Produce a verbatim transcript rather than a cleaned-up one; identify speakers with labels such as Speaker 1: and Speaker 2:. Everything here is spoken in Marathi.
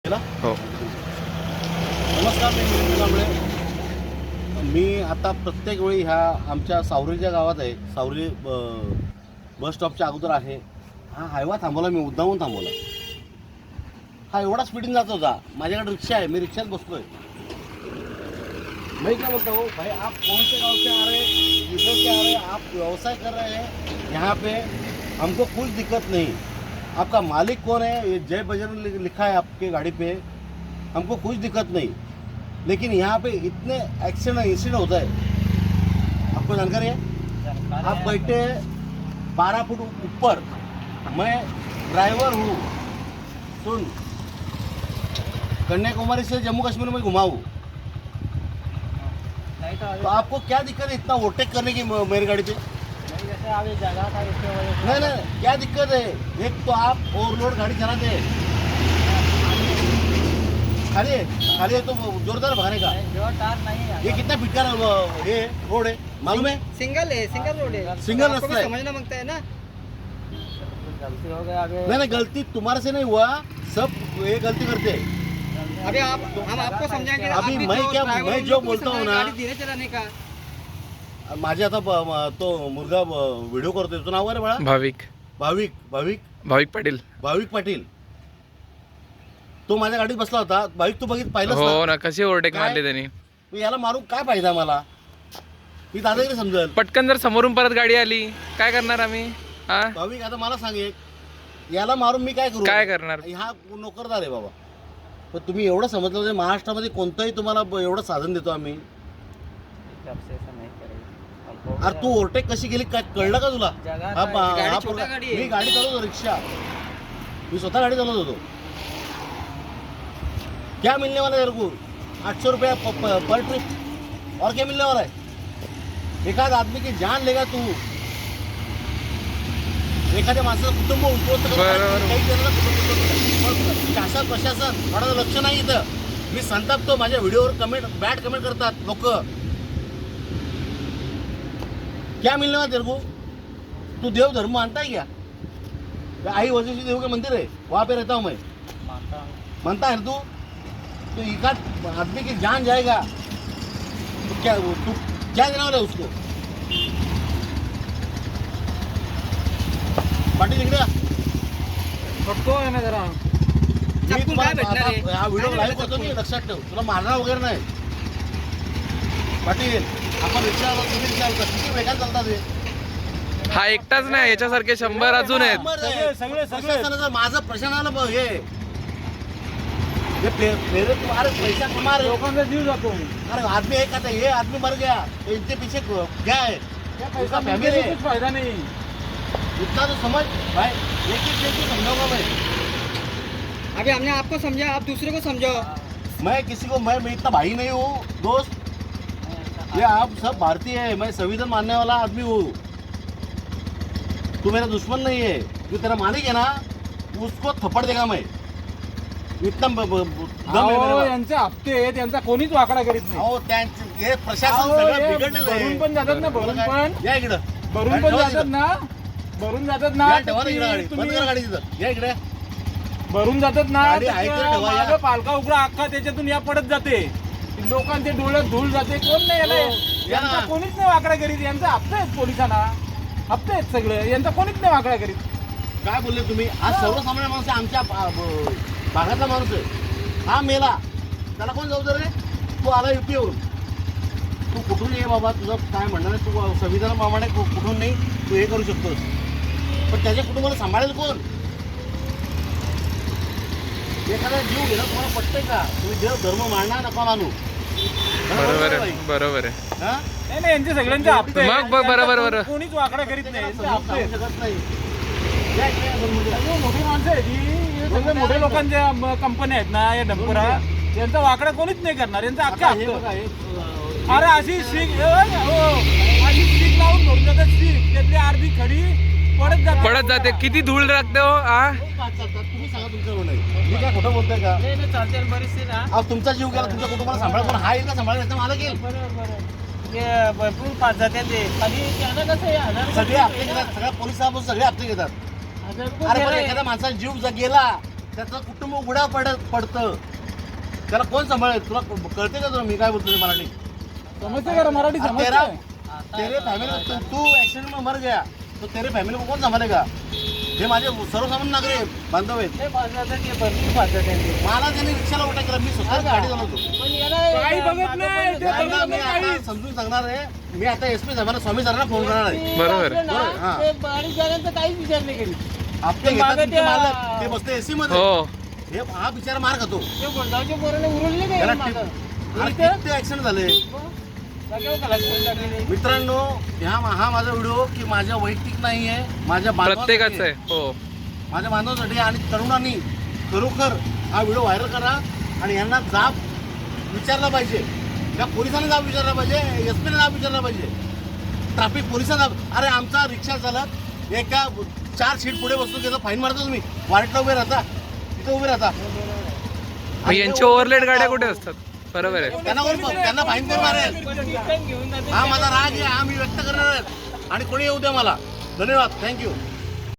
Speaker 1: हो.
Speaker 2: नमस्कार, मी मिलिंद कांबळे. मी आता प्रत्येक वेळी ह्या आमच्या सावरीच्या गावात आहे. सावरी बस स्टॉपच्या अगोदर आहे. हा हायवा थांबवला, मी मुद्दामून थांबवला. हा एवढा स्पीडिंग जात होता. माझ्याकडे रिक्षा आहे, मी रिक्षात बसतोय. मैं क्या बोलता हूँ भाई, आप कौन से गाँव से आ रहे हैं, किधर से आ रहे हैं, आप व्यवसाय कर रहे हैं यहाँ पे, हमको कुछ दिक्कत नहीं. आपका मालिक कौन है, ये जय बजरंग लिखा है आपके गाड़ी पे, हमको कुछ दिक्कत नहीं. लेकिन यहाँ पे इतने एक्सीडेंट इंसिडेंट होता है, आपको जानकारी है. आप बैठे बारह फुट ऊपर, मैं ड्राइवर हूँ. सुन, कन्याकुमारी से जम्मू कश्मीर में घुमाऊँ, तो आपको क्या दिक्कत है इतना ओवरटेक करने की मेरी गाड़ी पे?
Speaker 3: जैसे अभी जगह था इसके वजह से.
Speaker 2: नहीं नहीं, क्या दिक्कत है? एक तो आप ओवरलोड गाड़ी चलाते हैं, खाली है खाली है तो जोरदार भगाने का.
Speaker 3: जोरदार नहीं है.
Speaker 2: ये कितना फीट का ये रोड है मालूम है?
Speaker 4: सिंगल है, सिंगल रोड है.
Speaker 2: सिंगल
Speaker 4: आपको
Speaker 2: रास्ता
Speaker 4: भी
Speaker 2: है.
Speaker 4: समझना मांगता है ना.
Speaker 3: गलती हो गया. आगे
Speaker 2: नहीं नहीं, गलती तुम्हारे से नहीं हुआ, सब ये गलती करते हैं.
Speaker 4: अभी आप हम आपको समझाएंगे.
Speaker 2: अभी
Speaker 4: आप भी
Speaker 2: मैं
Speaker 4: तो
Speaker 2: क्या-
Speaker 4: driver
Speaker 2: मैं
Speaker 4: हो,
Speaker 2: जो
Speaker 4: उनको भी
Speaker 2: बोलता हूँ
Speaker 4: समझाएं
Speaker 2: ना-
Speaker 4: गाड़ी धीरे चलाने का.
Speaker 2: माझे आता ब- म- तो मुलगा व्हिडिओ करतोय, तुझं नाव काय रे बाळा?
Speaker 1: भाविक
Speaker 2: भाविक भाविक
Speaker 1: भाविक पाटील.
Speaker 2: भाविक पाटील. तो माझ्या गाडीत बसला होता. भाविक, तू बघित पाहिलंच
Speaker 1: हो
Speaker 2: ना?
Speaker 1: ना, कशी ओव्हरटेक
Speaker 2: काय?
Speaker 1: मारली त्यांनी.
Speaker 2: मग याला मारून काय फायदा मला? ही दादागिरी समजेल.
Speaker 1: पटकन जर समोरून परत गाडी आली काय करणार आम्ही? हा,
Speaker 2: भाविक, आता मला सांग एक, याला मारून मी काय करू?
Speaker 1: काय करणार?
Speaker 2: हा नोकरदार आहे बाबा. पण तुम्ही एवढं समजलं म्हणजे महाराष्ट्रामध्ये कोणतंही तुम्हाला ब- एवढं साधन देतो आम्ही.
Speaker 3: सबसे ऐसा नहीं करेंगे. अब हो
Speaker 2: अरे
Speaker 3: गया.
Speaker 2: तू ओव्हरटेक कशी गेली काय कळलं का तुला?
Speaker 3: जगह
Speaker 2: हा
Speaker 3: था.
Speaker 2: पा-
Speaker 4: गाडी
Speaker 2: हा
Speaker 4: छोटा
Speaker 2: पोरगा-
Speaker 4: गाडी आहे.
Speaker 2: मी गाडी चालवतो, रिक्षा. मी स्वतः गाडी चालवत होतो. क्या मिलने वाला है तेरे को? आठ सौ रुपया प- प- पर ट्रिप. और क्या मिलने वाला है? एक आध आदमी की जान लेगा तू. एखाद्या माणसाचं कुटुंब उद्ध्वस्त करतो.
Speaker 1: बरोबर.
Speaker 2: काही जणांना कुटुंब उद्ध्वस्त करतो. शासन प्रशासन थोडं लक्ष नाही इथं. मी संतापतो, माझ्या व्हिडिओवर कमेंट बॅड कमेंट करतात लोक. क्या मिलने वाला तेरे को? तू देव धर्म मानता है क्या? क्या आई वजह देव का मंदिर है, वहाँ पे रहता हूँ मैं.
Speaker 3: मानता हूँ.
Speaker 2: मानता है तू? तो एक आध आदमी की जान जाएगा तो क्या वो तू क्या देने वाला है उसको? पाटील इकडे या.
Speaker 4: फटको आहे ना जरा.
Speaker 2: मी
Speaker 4: चप्पल
Speaker 2: तुम्हाला
Speaker 4: काय भेटणार आहे?
Speaker 2: आता हा व्हिडिओ
Speaker 4: काय
Speaker 2: लाईव्ह
Speaker 4: भेटणार
Speaker 2: करतो, मी
Speaker 4: चप्पल?
Speaker 2: लक्षात ठेव. तुला मारणार वगैरे नाही. पाटील, आपण रिक्षा तुम्ही रिक्षा किती वेगात चालतात हे?
Speaker 1: हा एकटाच नाही, याच्यासारखे शंभर अजून आहेत.
Speaker 2: सगळे सगळे प्रशासनाचं माझं प्रशासनाला ब- हे ये प्रे- प्रेरित तुम्हारे पैसा कमा रहे हो.
Speaker 3: लोकांचा जीव जातो.
Speaker 2: अरे आदमी एक आता ये आदमी मर गया तो इनके पीछे क- क्या है? उसका फैमिली है.
Speaker 3: फायदा नहीं.
Speaker 2: इतना तो समझ भाई, एक एक चीज को समझाऊंगा मैं.
Speaker 4: अभी हमने आपको समझा, आप दूसरे को समझाओ.
Speaker 2: मैं किसी को मैं मैं इतना भाई नहीं हूँ दोस्त. ये आप सब भारतीय है, मैं संविधान मानने वाला आदमी हूँ. तू मेरा दुश्मन नहीं है. जो तेरा मालिक है ना, उसको थप्पड़ देगा मैं. इतना ब- ब- ब- दम है मेरे पास.
Speaker 3: यांचे हप्ते आहेत, यांचा कोणीच वाकडा करीत नाही.
Speaker 2: अहो, त्यांचे हे प्रशासन
Speaker 3: अहो,
Speaker 2: सगळं
Speaker 3: हे
Speaker 2: बिघडलेलं आहे.
Speaker 3: भरून पण जातात ना, भरून
Speaker 2: बरं काय?
Speaker 3: पण.
Speaker 2: या इकडं.
Speaker 3: भरून
Speaker 2: गाडी
Speaker 3: पण
Speaker 2: ठेवा
Speaker 3: जातात
Speaker 2: तिथं.
Speaker 3: ना, भरून जातात ना.
Speaker 2: या, ठेवा ना इकडं गाडी.
Speaker 3: तुम्ही-
Speaker 2: बंद करा गाडी तिथं. या इकडे.
Speaker 3: भरून जातात ना,
Speaker 2: गाडी आहे तर ठेवा, या.
Speaker 3: मागं पालखा उघडा अख्खा त्याच्यातून या पडत जाते. लोकांचे डोळ्यात धूळ जाते. कोण नाही याला,
Speaker 2: हो, या
Speaker 3: यांचा
Speaker 2: ना.
Speaker 3: कोणीच नाही वाकडा करीत. यांचा हप्ते आहेत पोलिसांना, हप्ते आहेत सगळे. यांचा कोणीच नाही वाकडा करीत.
Speaker 2: काय बोलले तुम्ही? आज सर्वसामान्य माणूस आहे, आमच्या भा- ब- भागातला माणूस आहे. हा मेला, त्याला कोण जबाबदार आहे? तू आला युपीवरून. तू कुठून ये बाबा, तुझं काय म्हणणार आहे? तू संविधानाप्रमाणे कु- कुठून नाही तू हे करू शकतोस. पण त्याच्या कुटुंबाला सांभाळेल कोण? एखादा जीव घेणं तुम्हाला पटतंय का? तुम्ही देव धर्म मानणार नका मानू.
Speaker 1: बरोबर
Speaker 2: बाई?
Speaker 1: आहे, बरोबर आहे.
Speaker 2: हा?
Speaker 3: नाही नाही, यांचे सगळ्यांचे हप्ते आहेत.
Speaker 1: मग बघ, बरोबर,
Speaker 3: यांचा
Speaker 1: बरोबर.
Speaker 3: कोणीच वाकडा करीत नाही. यांचे
Speaker 2: समजून
Speaker 3: हप्ते आहेत.
Speaker 2: सांगू शकत नाही. या इकडे या दोन
Speaker 3: हे मोठी माणसं आहेत ही. हे सगळे मोठे लोकांच्या म- कंपन्या आहेत ना या डंपरा, यांचा वाकडा कोणीच नाही करणार. यांचा अख्खा
Speaker 2: आता हे
Speaker 3: हप्ते.
Speaker 2: बघा, हे, अं,
Speaker 3: अरे अशी शीख हो, अशी शीख लावून भरून जातात. शीख त्यातली अर्धी खडी पडत जाते
Speaker 1: पडत जाते. किती धूळ लागते हो. आ
Speaker 2: खूप पाच चालतात. तुम्ही सांगा तुमचं नाही. मी काय खोटं बोलतोय का?
Speaker 3: नाही नाही, चालते बरीचशी ना.
Speaker 2: अहो, तुमचा जीव गेला, तुमच्या कुटुंबाला सांभाळ, पण हा येईल का सांभाळायला? मला गेल.
Speaker 3: बरोबर बरोबर. ते भरपूर पाच जाते ते. आणि त्यानं कसं आहे, हजार रुपये
Speaker 2: सगळे हप्ते घेतात, सगळ्या पोलीस साहेब सगळे हप्ते घेतात.
Speaker 3: हजार रुपये
Speaker 2: अरे पण
Speaker 3: गेले.
Speaker 2: एखाद्या माणसाचा जीव जर गेला त्याचं कुटुंब उघडा पडत पडतं. त्याला कोण सांभाळेल? तुला कळते का तुला मी काय बोलतो ते मराठी?
Speaker 3: समजते का रे मराठी
Speaker 2: अब तेरा
Speaker 3: समजते?
Speaker 2: तेरे फॅमिली तू ऍक्सिडेंट में मर गया तो तेरे फॅमिली को कोण सांभाळेगा? हे माझे सर्वसामान्य नागरिक बांधव आहेत. मला त्यांनी रिक्षाला उठा केला, मी स्वतः गाडी चालवतो.
Speaker 3: काही बघत नाही ते
Speaker 2: त्यांना
Speaker 3: बघत
Speaker 2: मी
Speaker 3: नाही
Speaker 2: आता
Speaker 3: काही.
Speaker 2: समजून सांगणार आहे. मी आता एस पी साहेबांना स्वामी सरांना फोन करणार आहे.
Speaker 1: बरोबर.
Speaker 2: बरोबर, हां.
Speaker 4: बारीक जणांचा काहीच विचार नाही केली.
Speaker 2: आपले घेतात तुमचे मालक, ते बसते एसी मध्ये.
Speaker 1: हो
Speaker 2: हे हा बिचारा मार खातो.
Speaker 4: ते गुंडावच्या पोराने उरले
Speaker 2: त्याला
Speaker 4: नाही
Speaker 2: टिप- अरे किती ऍक्सिडेंट झाले मित्रांनो. ह्या हा माझा व्हिडिओ की माझ्या वैयक्तिक नाही आहे, माझ्या बांधवांसाठी
Speaker 1: प्रत्येकाचं आहे. हो
Speaker 2: माझ्या बांधवांसाठी आणि तरुणांनी खरोखर हा व्हिडिओ व्हायरल करा आणि यांना जाब विचारला पाहिजे. या पोलिसांना जाब विचारला पाहिजे, एस पीने जाब विचारला पाहिजे, ट्रॅफिक पोलिसांना. अरे आमचा रिक्षा चालक एका चार सीट पुढे बसून त्याचा फाईन मारता तुम्ही, वारंटला उभे राहता, तिथे उभे राहता.
Speaker 1: मग यांच्या ओव्हरलेट गाड्या कुठे असतात? बरोबर आहे.
Speaker 2: त्यांना कोण त्यांना फाईन कोण मारेल? हा माझा राग आहे, हा मी व्यक्त करणार आहे आणि कोणी येऊ द्या मला. धन्यवाद, थँक्यू.